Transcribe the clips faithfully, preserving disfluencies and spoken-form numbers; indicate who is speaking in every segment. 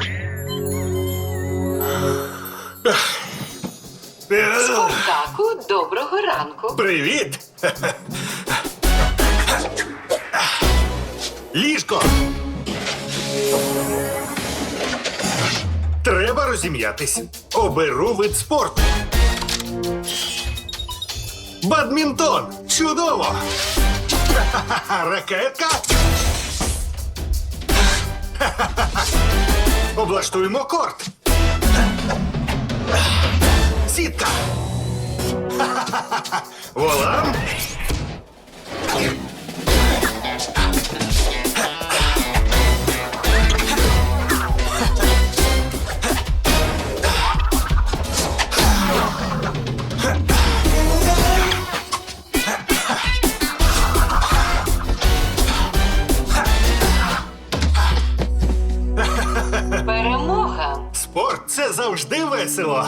Speaker 1: Спартаку, доброго ранку.
Speaker 2: Привіт! Ліжко! Треба розім'ятись. Оберу вид спорту. Бадмінтон! Чудово! Ракетка! Облаштуємо корт. Сітка! Волам!
Speaker 1: Перемога.
Speaker 2: Спорт – це завжди весело.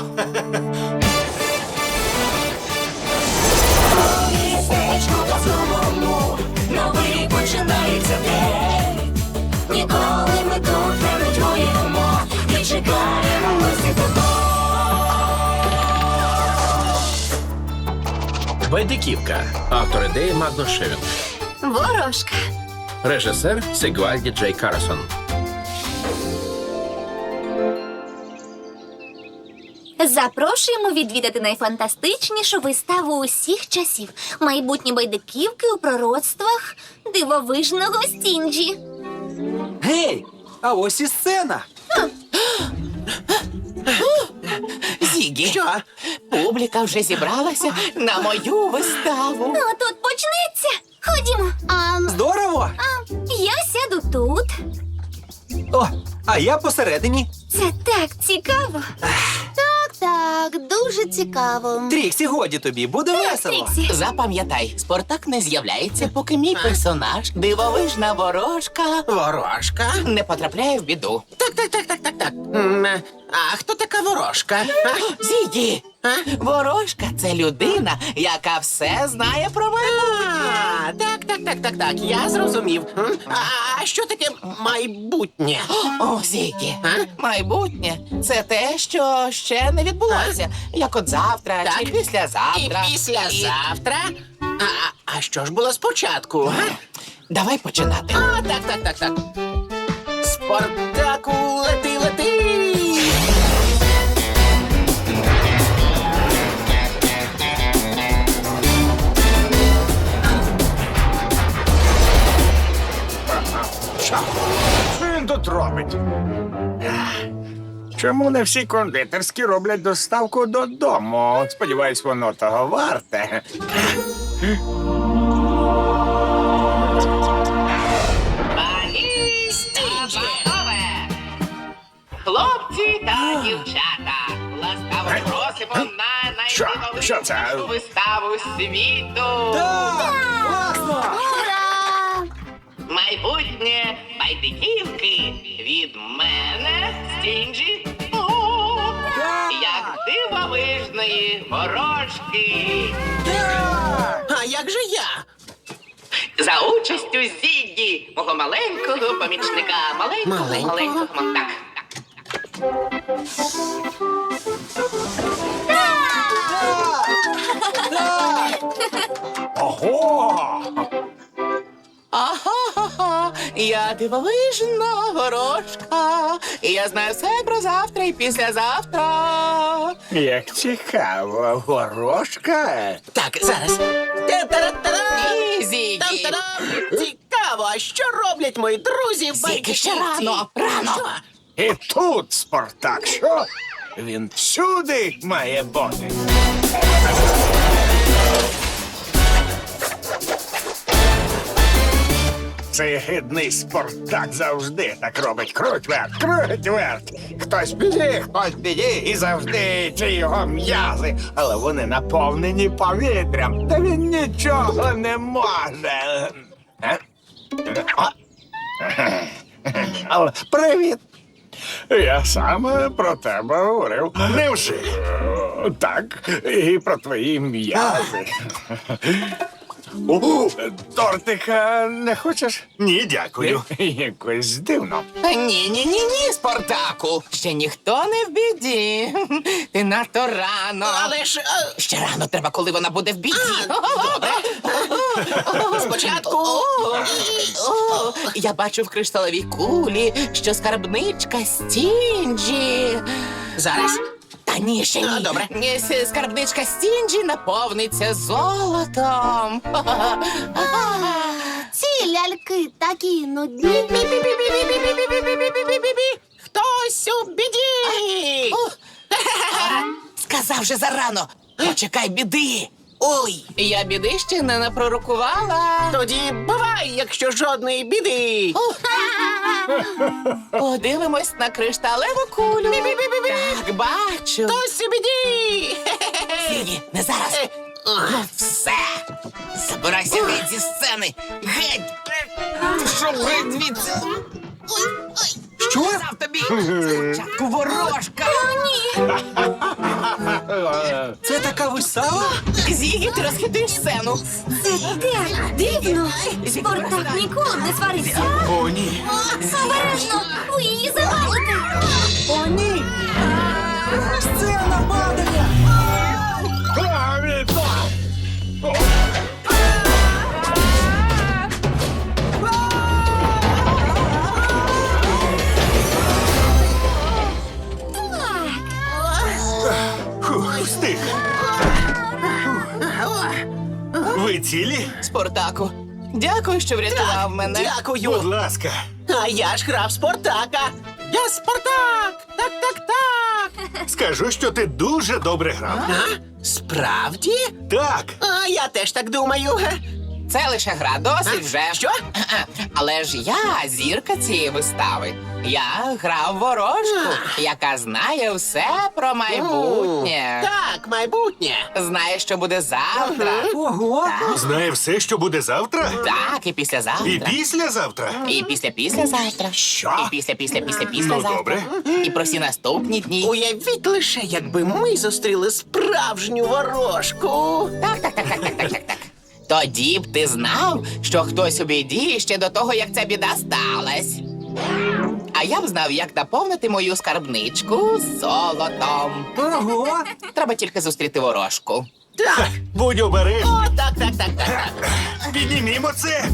Speaker 3: Містечку по-новому, новий починається день. Ніколи ми тут не нудьгуємо і чекаємо гості тебе.
Speaker 4: Байдиківка. Автор ідеї Магнус Шевінг.
Speaker 5: Ворожка.
Speaker 4: Режисер Сигвальді Джей Карсон.
Speaker 5: Запрошуємо відвідати найфантастичнішу виставу усіх часів. Майбутні байдиківки у пророцтвах дивовижного Стінджі.
Speaker 6: Гей, а ось і сцена.
Speaker 7: Зігі, що? Публіка вже зібралася на мою виставу.
Speaker 5: Ну, тут почнеться. Ходімо. А,
Speaker 6: Здорово!
Speaker 5: а я сяду тут.
Speaker 6: О, а я посередині.
Speaker 5: Це так цікаво. Так, так, дуже цікаво.
Speaker 6: Тріксі, годі тобі, буде весело.
Speaker 5: Тріксі.
Speaker 7: Запам'ятай, Спартак не з'являється, поки мій персонаж, дивовижна ворожка,
Speaker 8: Ворожка?
Speaker 7: не потрапляє в біду.
Speaker 8: Так, так, так, так, так, так. М, А хто така ворожка? А?
Speaker 7: Зігі,
Speaker 8: А?
Speaker 7: ворожка – це людина, яка все знає про мене.
Speaker 8: А, так, так, так, так, так, я зрозумів. М? А що таке майбутнє?
Speaker 7: О, Зігі,
Speaker 8: А?
Speaker 7: майбутнє – це те, що ще не відбулося. Як от завтра чи
Speaker 8: Так.
Speaker 7: післязавтра.
Speaker 8: І післязавтра? А, а що ж було спочатку? га?
Speaker 7: Давай починати.
Speaker 8: А, так, так, так, так. Спартаку, лети, лети!
Speaker 9: Що він тут робить? Чому не всі кондитерські роблять доставку додому? Сподіваюсь, воно того варте.
Speaker 1: Хлопці та дівчата, ласкаво просимо на
Speaker 9: Що? Що це?
Speaker 1: найдивовижнішу виставу світу.
Speaker 5: Ура!
Speaker 1: Майбутнє байдиківки від мене, Стінджі. О, як дивовижної ворожки.
Speaker 8: А як же я?
Speaker 1: За участю Зіггі, мого маленького помічника. Маленького,
Speaker 8: Маленького?
Speaker 1: маленького. Так, так.
Speaker 9: Ого!
Speaker 7: Ага, я дивовижна ворожка. І я знаю все про завтра і післязавтра.
Speaker 9: Як цікаво, ворожка.
Speaker 8: Так, зараз. Та-та-ра-та-ра!
Speaker 7: Ні, Зігі.
Speaker 8: Там-та-дам! Цікаво, а що роблять мої друзі в
Speaker 7: Зігі, ще
Speaker 8: байдиківці?
Speaker 7: рано, рано.
Speaker 8: Що?
Speaker 9: І тут Спартак, що? Він всюди має бути. Цей гидний Спартак завжди так робить. Круть вверх, круть вверх. Хтось біді, хтось біді, і завжди ці його м'язи. Але вони наповнені повітрям, та він нічого не може. Е? А? Але привіт. Я саме про тебе говорив. Невже? Так, і про твої м'язи. О, тортика не хочеш?
Speaker 2: Ні, дякую.
Speaker 9: Якось дивно.
Speaker 7: Ні-ні-ні-ні, Спартаку. Ще ніхто не в біді. Ти надто рано.
Speaker 8: Але ж. е,
Speaker 7: Ще рано треба, коли вона буде в біді.
Speaker 8: Спочатку.
Speaker 7: О, я бачу в кришталевій кулі, що скарбничка Стінджі.
Speaker 8: Зараз.
Speaker 7: Та ні, ще ні.
Speaker 8: А, добре.
Speaker 7: Ні, с- скарбничка Стінджі наповниться золотом.
Speaker 5: Ці ляльки такі нудні.
Speaker 8: Хтось у біді.
Speaker 7: Сказав же зарано. Почекай біди. Ой, я біди ще не напророкувала.
Speaker 8: Тоді бувай, якщо жодної біди.
Speaker 7: Подивимось на кришталеву кулю. Так, бачу.
Speaker 8: Хтось у біді.
Speaker 7: Сігі, не зараз. Ну, все. Забирайся геть зі сцени. Геть. Пішов геть звідси. Ой, ой. Що? Сказав тобі. Спочатку ворожка.
Speaker 6: Це така вистава?
Speaker 7: Зігі, ти розхитуєш сцену.
Speaker 5: Це так дивно. Спартак ніколи не сварився.
Speaker 2: О, ні.
Speaker 5: Обережно, ви її завалите.
Speaker 6: О, ні! Сцена падає!
Speaker 2: Фух, встиг. Ви цілі?
Speaker 7: Спартаку, дякую, що врятував мене.
Speaker 2: Будь
Speaker 8: Дякую.
Speaker 2: ласка.
Speaker 8: А я ж грав Спартака. Я Спартак. Так, так, так.
Speaker 2: Скажу, що ти дуже добре грав.
Speaker 8: А? Справді?
Speaker 2: Так.
Speaker 8: А я теж так думаю.
Speaker 7: Це лише гра, досить вже.
Speaker 8: Що?
Speaker 7: Але ж я зірка цієї вистави. Я грав ворожку, яка знає все про майбутнє.
Speaker 8: Так, майбутнє.
Speaker 7: Знає, що буде завтра.
Speaker 6: Ого!
Speaker 2: Знає все, що буде завтра?
Speaker 7: Так, і післязавтра.
Speaker 2: І післязавтра?
Speaker 7: І після післязавтра.
Speaker 2: Що?
Speaker 7: І після після після післязавтра.
Speaker 2: Ну, добре.
Speaker 7: І про всі наступні дні.
Speaker 8: Уявіть лише, якби ми зустріли справжню ворожку.
Speaker 7: Так, так, так, так, так, так, так, так. Тоді б ти знав, що хтось у біді ще до того, як ця біда сталась. А я б знав, як наповнити мою скарбничку золотом.
Speaker 6: Ого!
Speaker 7: Треба тільки зустріти ворожку.
Speaker 8: Так.
Speaker 2: Будь обережний.
Speaker 8: О, так, так, так, так, так.
Speaker 2: Піднімімо це.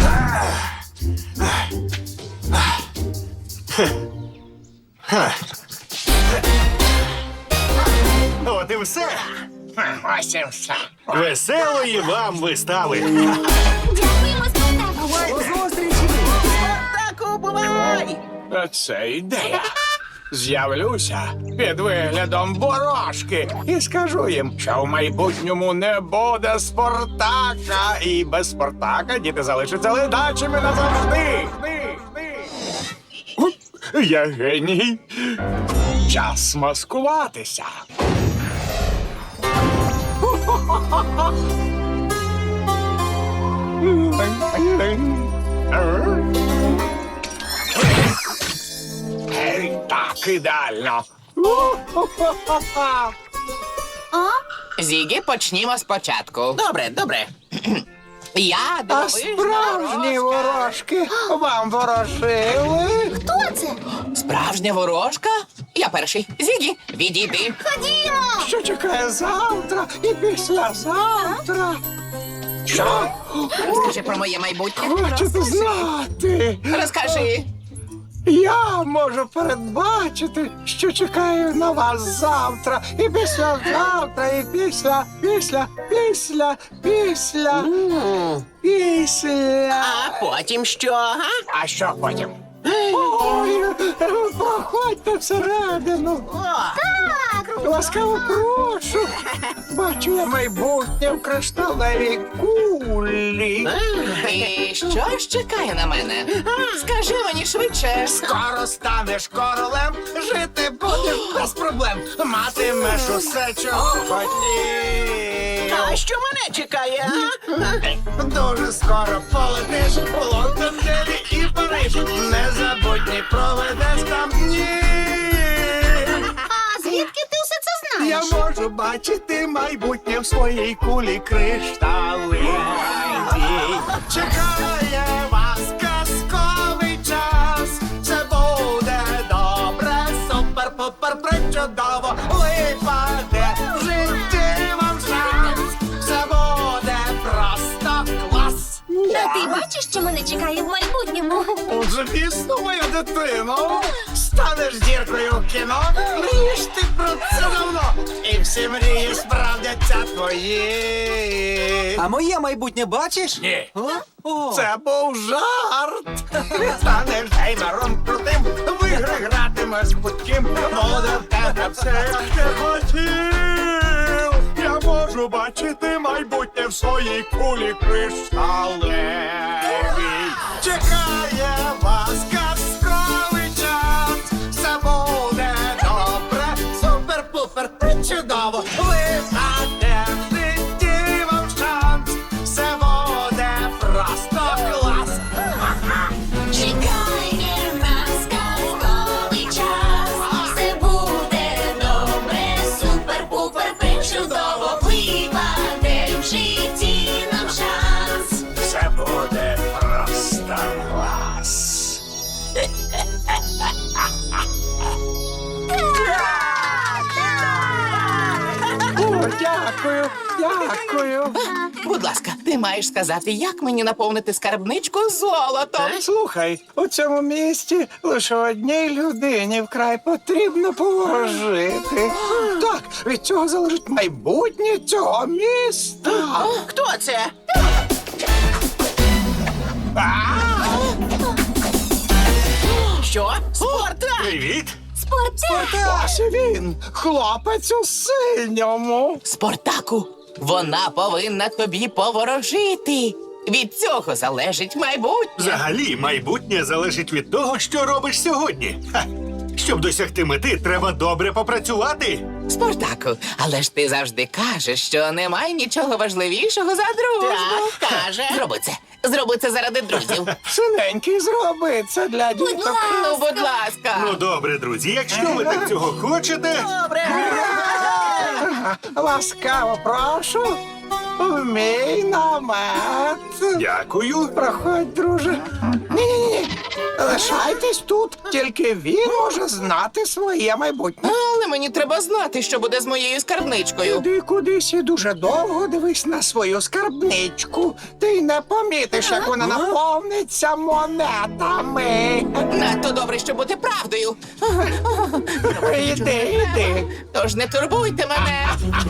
Speaker 2: От і все.
Speaker 9: Ось і все.
Speaker 2: Веселої вам вистави.
Speaker 5: Дякуємо, Спартаку.
Speaker 6: До зустрічі!
Speaker 8: Так, бувай.
Speaker 9: Це ідея. З'явлюся під виглядом ворожки і скажу їм, що в майбутньому не буде Спартака, і без Спартака діти залишаться ледачими назавжди. Хни, хни. Оп, я геній. Час маскуватися. Гей, так, ідеально.
Speaker 7: Зігі, почнімо спочатку.
Speaker 8: Добре, добре.
Speaker 7: Я
Speaker 9: А
Speaker 7: дивовижна
Speaker 9: справжні
Speaker 7: ворожка.
Speaker 9: ворожки вам ворожили?
Speaker 5: Хто це?
Speaker 7: Справжня ворожка? Я перший. Зігі, відійди.
Speaker 5: Ходімо.
Speaker 9: Що чекає завтра і післязавтра? Що?
Speaker 7: Розкажи про моє майбутнє.
Speaker 9: Хочете знати?
Speaker 7: Розкажи.
Speaker 9: Я можу передбачити, що чекаю на вас завтра, і післязавтра, і після, після, після, після, після.
Speaker 8: А потім що? А?
Speaker 9: А що потім? Ой, проходьте всередину.
Speaker 5: Так.
Speaker 9: Ласкаво прошу. Бачу я майбутнє в кришталевій кулі.
Speaker 7: І що ж чекає на мене? Скажи мені швидше.
Speaker 9: Скоро станеш королем, жити будеш без проблем. Матимеш усе, чого хотів.
Speaker 8: А що мене чекає? А?
Speaker 9: Дуже скоро полетиш у Лондон, Делі і Париж. Незабутні проведеш там дні.
Speaker 5: А звідки ти все це знаєш?
Speaker 9: Я можу можу бачити майбутнє в своїй кулі кришталевій. Чекає вас казковий час. Це буде добре, супер-пупер, причудово. Випаде в житті вам шанс. Це буде просто клас.
Speaker 5: А ти бачиш, що мене чекає в майбутньому?
Speaker 9: Звісно, моя дитино. Станеш зіркою в кіно, мрієш ти про це давно. І всі мрії справдяться твої.
Speaker 6: А моє майбутнє бачиш?
Speaker 9: Ні.
Speaker 6: О, О.
Speaker 9: Це був жарт. Станеш геймером крутим, в ігри гратимеш будь-ким. Буде в тебе все, як ти хотів. Я можу бачити майбутнє в своїй кулі кришталевій. Чекає вас казковий час. Все буде добре, супер-пупер, чудово. Випаде в житті вам шанс. Все буде просто клас.
Speaker 3: Чекає нас казковий час. Все буде добре, супер-пупер, причудово. Випаде в житті нам шанс.
Speaker 9: Все буде просто клас. О, дякую, дякую.
Speaker 7: Будь ласка, ти маєш сказати, як мені наповнити скарбничку золотом.
Speaker 9: Слухай, у цьому місті лише одній людині вкрай потрібно положити. Так, від цього залежить майбутнє цього міста.
Speaker 8: Хто це? Що? Спартак!
Speaker 2: Привіт!
Speaker 5: Спортак!
Speaker 9: Ось він, хлопець у синьому.
Speaker 7: Спартаку, вона повинна тобі поворожити. Від цього залежить майбутнє.
Speaker 2: Взагалі, майбутнє залежить від того, що робиш сьогодні. Ха. Щоб досягти мети, треба добре попрацювати.
Speaker 7: Спартаку, але ж ти завжди кажеш, що немає нічого важливішого за дружбу.
Speaker 8: Так, каже.
Speaker 7: Зроби це. Зроби це заради друзів.
Speaker 9: Синенький, зроби це для діток.
Speaker 7: Ну, будь ласка.
Speaker 2: Ну добре, друзі, якщо ви так цього хочете.
Speaker 9: Ласкаво прошу. В мій намет.
Speaker 2: Дякую.
Speaker 9: Проходь, друже. Ні-ні-ні. Лишайтесь тут. Тільки він може знати своє майбутнє.
Speaker 7: Але мені треба знати, що буде з моєю скарбничкою.
Speaker 9: Іди кудись і дуже довго дивись на свою скарбничку. Ти не помітиш, як вона наповниться монетами.
Speaker 7: Надто добре, щоб бути правдою.
Speaker 9: Іди, іди.
Speaker 7: Тож не турбуйте мене.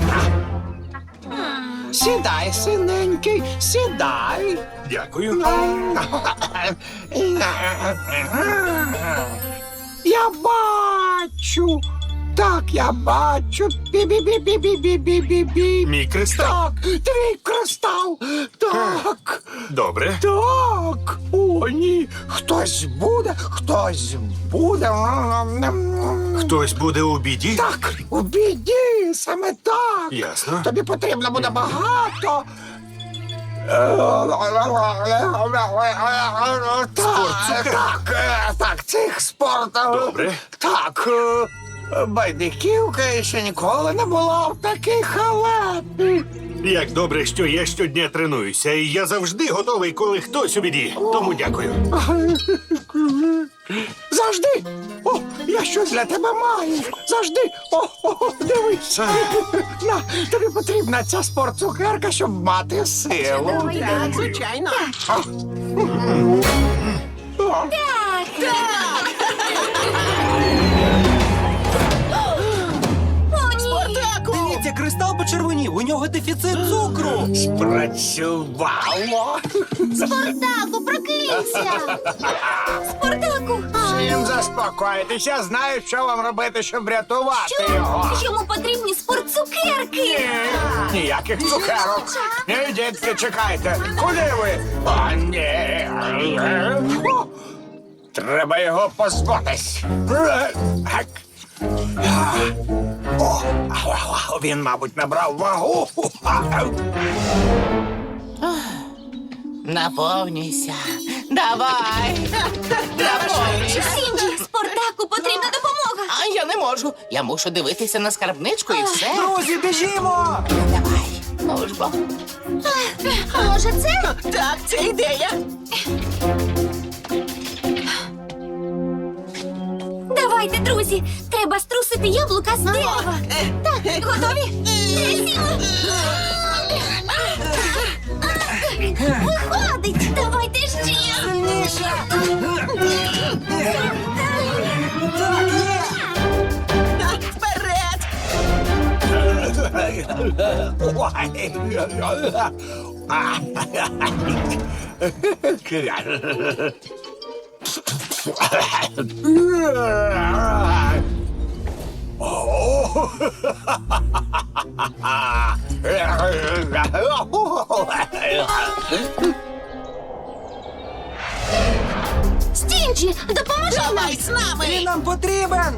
Speaker 9: Сідай, синенький, сідай.
Speaker 2: Дякую.
Speaker 9: Я бачу. Так, я бачу. Бі-бі-бі-бі-бі-бі-бі-бі.
Speaker 2: Мій кристал.
Speaker 9: Так, твій кристал. Так.
Speaker 2: Добре.
Speaker 9: Так. О, ні. Хтось буде, хтось буде.
Speaker 2: Хтось буде у біді?
Speaker 9: Так, у біді, саме так.
Speaker 2: Ясно.
Speaker 9: Тобі потрібно буде багато. Так, так, е, так, цих спорт.
Speaker 2: Добре.
Speaker 9: Так, е, байдиківка ще ніколи не була в такій халепі.
Speaker 2: Як добре, що я щодня тренуюся, і я завжди готовий, коли хтось у біді. Тому дякую.
Speaker 9: Завжди. О, я щось для тебе маю. Завжди. О, о, дивись. На, тобі потрібна ця спортцукерка, щоб мати силу.
Speaker 8: Так, звичайно.
Speaker 9: О,
Speaker 6: Дивіться, кристал почервонів, у нього дефіцит цукру.
Speaker 9: спрацювало.
Speaker 5: Спартаку, прокинься! Спартаку!
Speaker 9: Всім заспокойтесь, я знаю, що вам робити, щоб врятувати його.
Speaker 5: Йому потрібні спортцукерки!
Speaker 9: Ніяких цукерок. Ні, дітки, чекайте. Куди ви? О, ні. О, треба його позбутись. Так. О, він, мабуть, набрав вагу.
Speaker 7: Наповнюйся. Давай. Наповнюйся.
Speaker 5: Сінджі, Спартаку потрібна допомога!
Speaker 7: А я не можу. можу. Я мушу дивитися на скарбничку і все.
Speaker 6: Друзі, біжімо!
Speaker 7: Давай. Ну ж бо.
Speaker 5: Може, це?
Speaker 8: Так, це ідея.
Speaker 5: Давайте, друзі, треба струсити яблука з дерева. Так, готові? Виходить! Давайте ще!
Speaker 8: Вперед!
Speaker 5: Стінджі, допоможи нам!
Speaker 8: Давай з нами!
Speaker 6: Він нам потрібен!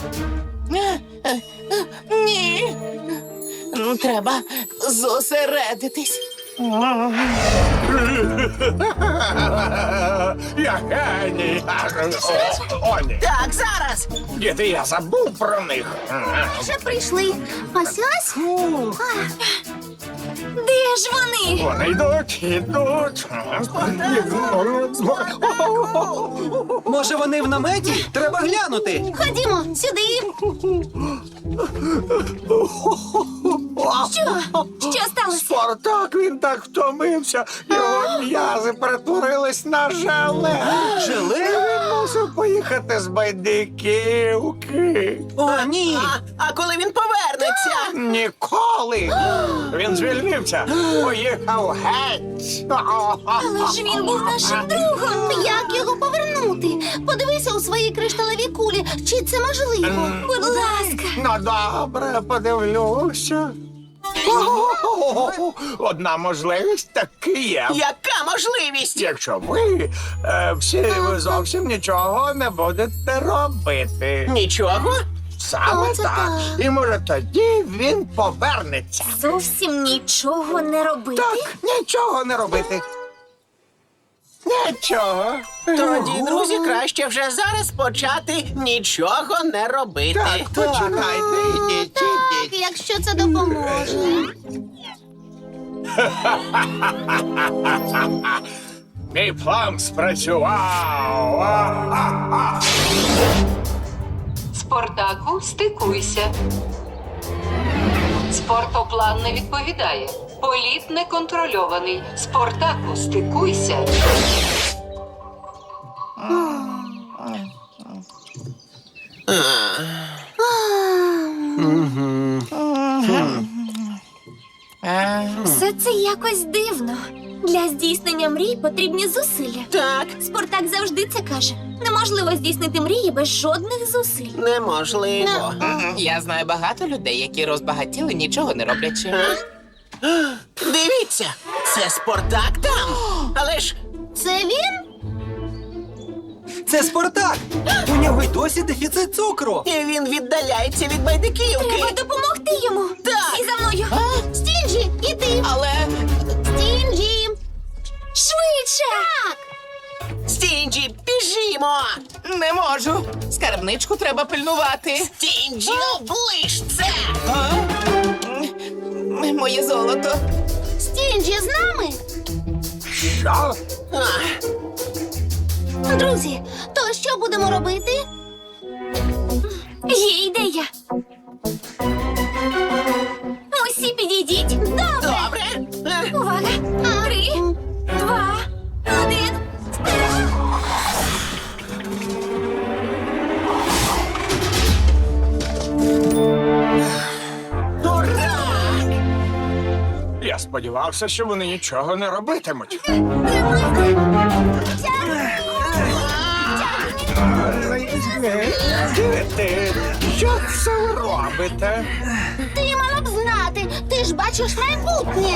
Speaker 7: Ні. Ну, треба зосередитись.
Speaker 9: Я геній. О, ні.
Speaker 8: Так, зараз!
Speaker 9: Діти, я забув про них.
Speaker 5: Вже прийшли. Ось ось. А, де ж вони?
Speaker 9: Вони йдуть, йдуть.
Speaker 6: Може, вони в наметі? Треба глянути.
Speaker 5: Ходімо сюди. Що? Що сталося?
Speaker 9: Спартак, він так втомився. Його м'язи перетворились на желе.
Speaker 6: Желе?
Speaker 9: Він мусив поїхати з Байдиківки.
Speaker 6: О, ні!
Speaker 8: А, а коли він повернеться?
Speaker 9: Ніколи. Він звільнився. Поїхав геть.
Speaker 5: Але ж він був нашим другом. Як його повернути? Подивися у своїй кришталевій кулі. Чи це можливо? Будь ласка.
Speaker 9: Ну, добре, подивлюся. Одна можливість таки є.
Speaker 8: Яка можливість?
Speaker 9: Якщо ви е, всі ви зовсім нічого не будете робити.
Speaker 8: Нічого?
Speaker 9: Саме
Speaker 5: Оце
Speaker 9: так.
Speaker 5: так.
Speaker 9: І може тоді він повернеться.
Speaker 5: Зовсім нічого не робити.
Speaker 9: Так, нічого не робити. Нічого.
Speaker 8: Тоді, друзі, краще вже зараз почати нічого не робити.
Speaker 9: Так, починайте, ідіть,
Speaker 5: Так,
Speaker 9: ідіть.
Speaker 5: якщо це допоможе.
Speaker 9: Мій план спрацював. А-а-а.
Speaker 10: Спартаку, стикуйся. Спортоплан не відповідає. Політ неконтрольований. Спартаку, стикуйся.
Speaker 5: Все це якось дивно. Для здійснення мрій потрібні зусилля.
Speaker 8: Так,
Speaker 5: Спартак завжди це каже. Неможливо здійснити мрії без жодних зусиль.
Speaker 8: неможливо.
Speaker 7: Я знаю багато людей, які розбагатіли, нічого не роблячи.
Speaker 8: Дивіться, це Спартак там. Але ж
Speaker 5: Це він?
Speaker 6: Це Спартак! У нього й досі дефіцит цукру.
Speaker 8: і він віддаляється від байдиківки.
Speaker 5: Треба допомогти йому.
Speaker 8: Так.
Speaker 5: І за мною. Стінджі, іди.
Speaker 7: Але
Speaker 5: Стінджі. Швидше. Так.
Speaker 8: Стінджі, біжімо!
Speaker 7: не можу. Скарбничку треба пильнувати.
Speaker 8: Стінджі, оближ це!
Speaker 7: М, Моє золото.
Speaker 5: Стінджі з нами.
Speaker 9: Що?
Speaker 5: Друзі, то що будемо робити? Є ідея. Усі підійдіть. Добре.
Speaker 8: Добре. Е,
Speaker 5: Увага! Три, два, один.
Speaker 8: Ура!
Speaker 9: Я сподівався, що вони нічого не робитимуть. Діти, що це ви робите?
Speaker 5: Ти мала б знати. Ти ж бачиш майбутнє.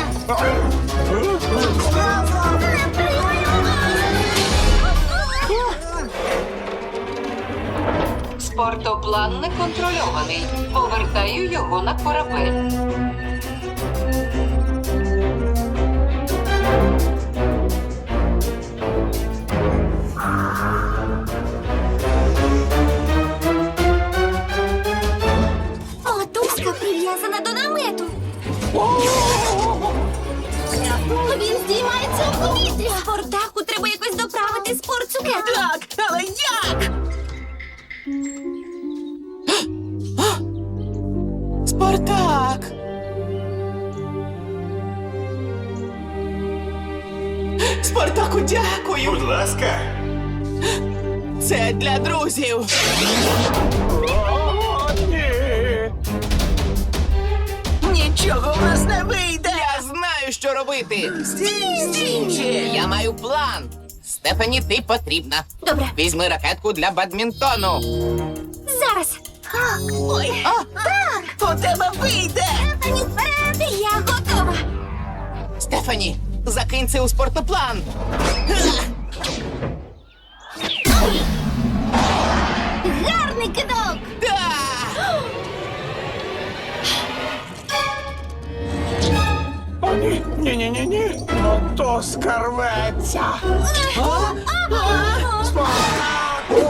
Speaker 10: Спортоплан неконтрольований. Повертаю його на корабель.
Speaker 8: Дякую.
Speaker 2: Будь ласка.
Speaker 8: Це для друзів.
Speaker 9: О, ні.
Speaker 8: Нічого в нас не вийде. Я знаю, що робити. Стінджі!
Speaker 7: Я маю план. Стефані, ти потрібна.
Speaker 5: Добре.
Speaker 7: Візьми ракетку для бадмінтону.
Speaker 5: Зараз. Ой,
Speaker 8: У тебе вийде.
Speaker 5: Стефані, вперед! Я готова.
Speaker 7: Стефані, закинь це у спортоплан.
Speaker 5: Гарний кидок!
Speaker 9: О, ні, ні, ні, ні, ні. Ну то скарветься. Спартаку!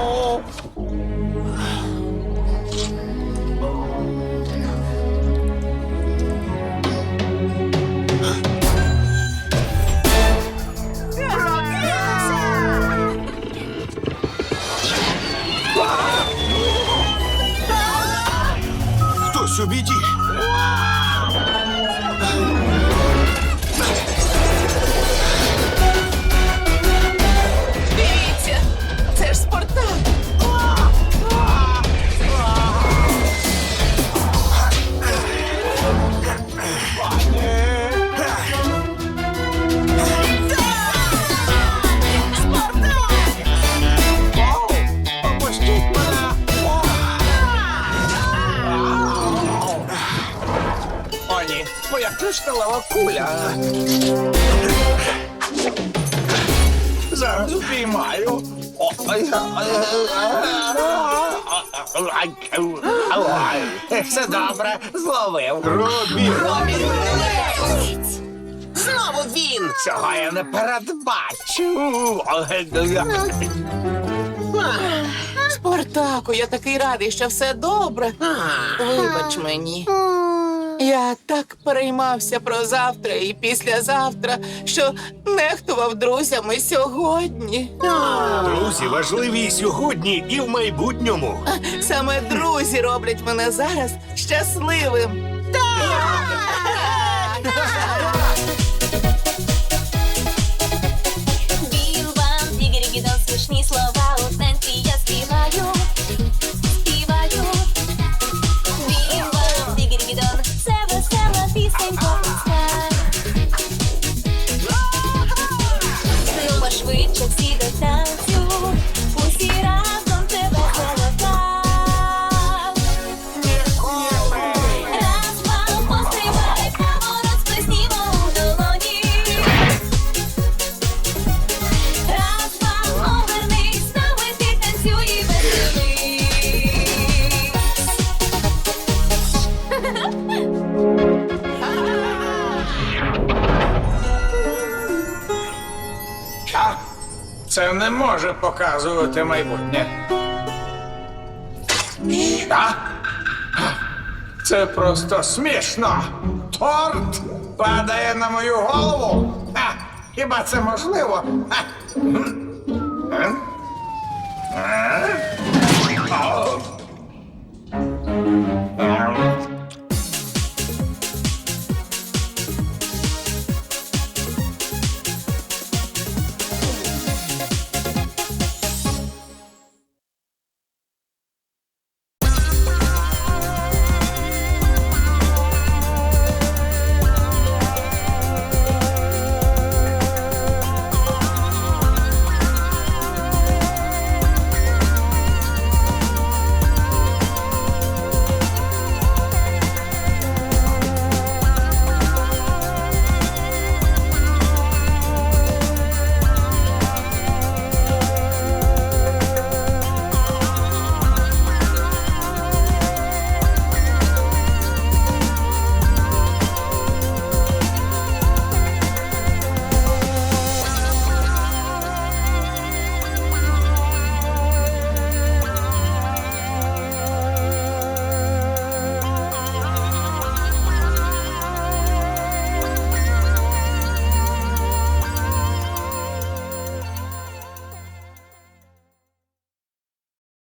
Speaker 2: Хтось у біді.
Speaker 8: Дивіться, це ж Спартак.
Speaker 9: Попустіть мене! О, ні, моя кришталева куля. Зараз впіймаю. О, ай, ай, ай, ай, ай. Все добре, зловив.
Speaker 2: Робі.
Speaker 8: Знову він.
Speaker 9: Цього я не передбачу.
Speaker 8: Спартаку, я такий радий, що все добре. Вибач мені. Я так переймався про завтра і післязавтра, що нехтував друзями сьогодні.
Speaker 2: Друзі важливі і сьогодні, і в майбутньому.
Speaker 8: Саме друзі роблять мене зараз щасливим.
Speaker 3: Бім-бам, дігері-гідон, смішні слова у танці я співаю, співаю. Бім-бам, дігері-гідон, це весела пісенька. Ну, пошвидше всі до танцю, усі разом це весела так. Раз, два, пострибай, поворот сплеснімо у долоні. Раз, два, обернись, з нами ти танцюй і веселись.
Speaker 9: Що? Це не може показувати майбутнє. Що? Це просто смішно. Торт падає на мою голову. Ха! Хіба це можливо? Ха! М? М? М?